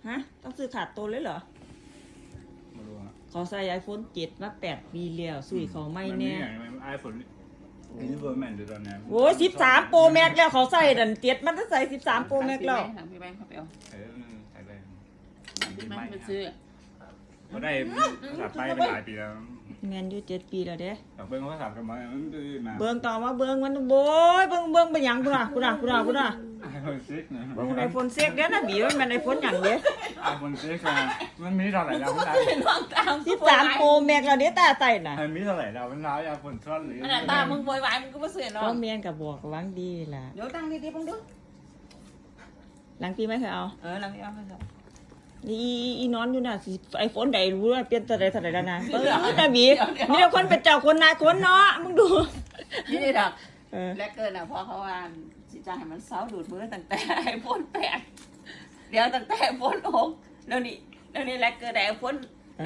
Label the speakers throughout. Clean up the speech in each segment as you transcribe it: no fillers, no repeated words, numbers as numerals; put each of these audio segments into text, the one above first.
Speaker 1: ฮะต้องซื้อขาดตัวเลยเหรอ
Speaker 2: ไม่รู้ฮะ
Speaker 1: ขอใส่ iPhone 7มา8 ปีแล้วซื้อเขาไม่แน่
Speaker 2: ไอโฟนอินเวอร์แมนเดือนนี้
Speaker 1: โอ้ย13 Pro Max แล้วเขาใส่ดัน7มันจะใส่13 Pro Max แล้ว
Speaker 3: พี่แบงค์เขาไปเอา
Speaker 2: ใส่ไป
Speaker 3: พี่แบงค์ไปซื้อ
Speaker 2: เขาได้ภาษาไปเป็นหลายปีแล้ว
Speaker 1: แมนอยู่7 ปีแล้วเด้
Speaker 2: เบิ้งภาษากันมา
Speaker 1: เบิ้งต่อมาเบิ้งมันโบยเบิ้งเป็นหยังกูน่ะ
Speaker 2: ไอโฟนซิกนะ
Speaker 1: เบิ้งไอโฟน6เด้อนะบีมันไอโฟนหยังเด้
Speaker 2: ไอโฟนซิกมันมีเท่าไหร่แล้วมันได้
Speaker 1: 13 Pro Max แล้วเด้ตาใส่น่ะ
Speaker 2: มันมีเท่าไหร่แล้วมันได้ไอโฟนซ้อนหรือ
Speaker 3: ขนาดตามึงโวยวายมึงก็บ่ซื้อเนาะ
Speaker 1: ก็แม่นก็บอกหวังดีล่ะ
Speaker 3: เดี๋ยวตั้งดีๆมึงดู
Speaker 1: หลังปีไม่เคยเอา
Speaker 3: หลังนี้เอาไปเถอะ
Speaker 1: อีนอนอยู่น่ะไอโฟนใดรู้ว่าเปลี่ยนตัวใดแล้วนะนะบีมีแต่คนเป็นเจ้าคนนายคนเนาะมึงดู
Speaker 3: นี่ดอกและเกินอ่ะเพราะเขาว่าสิจะให้มันเซาดูดมือตั้งแต่ไอโฟน8เดี๋ยวตั้งแต่ไอโฟน6แล้วนี่และเกินไอโฟน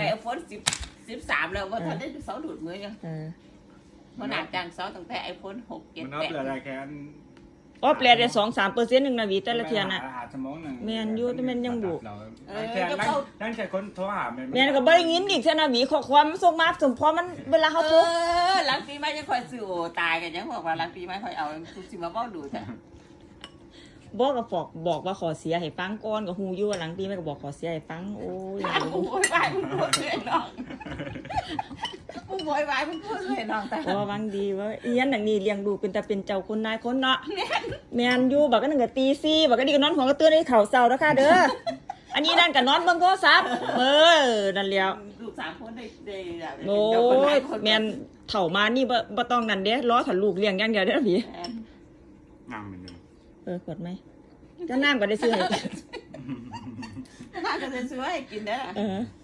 Speaker 3: 13แล้วว่าทันได้เซาดูดมือยังมันหนักจังเซาตั้งแต่ไอโฟน6 7 8
Speaker 2: มันนับอะไรแค่
Speaker 1: อ๋อแปลได้ 2-3% นึงนะบีแต่ละเทียน่ะ
Speaker 2: สมองนึง
Speaker 1: แม่นอยู่แต่มันยังบุ
Speaker 2: นั่นแค่คนโทรหา
Speaker 1: แม่นก็บ่ได้ยินอีกซะนะบีข้อความมันส่งมาสมพอมันเวลาเฮาโทร
Speaker 3: หลังปีใหม่ยังคอยซื้อโอตายกันยังบอกว่าหลังปีใหม่คอยเอาทุกสิมาเว้าดูจ้ะ
Speaker 1: บอกก็บอกว่าขอเสียให้ฟังก่อนก็ฮู้อยู่ว่าหลังปีใหม่ก็บอกขอเสียให้ฟังโอ้ย
Speaker 3: โวยวายมึงพูดเลยน้องมึงโวยวายมึงพูดเลยน้องแต่
Speaker 1: ว่าหวังดีว่าอีหยังอย่างนี้เลี้ยงดูเป็นแต่เป็นเจ้าคนนายคนเนาะแม่นอยู่บักก็นึงก็ตี4บักก็ดีก็นอนหัวก็ตื่นให้ข้าวเช้าเด้อค่ะเด้ออันนี้นั่นก็นอนเบิ่งโทรศัพท์นั่นแล้ว
Speaker 3: ลูก3คนได้
Speaker 1: โอ้ยแม่นเฒ่ามานี่บ่ต้องนั่นเด้รอถ้าลูกเลี้ยงอย่างเดียวเด้อพี่
Speaker 2: นั่งเหมือนเดิม
Speaker 1: กดไหมก็น้ำก็ได้ซื้อให้
Speaker 3: น้ำก็ได้ซื้อให้กินเด้อ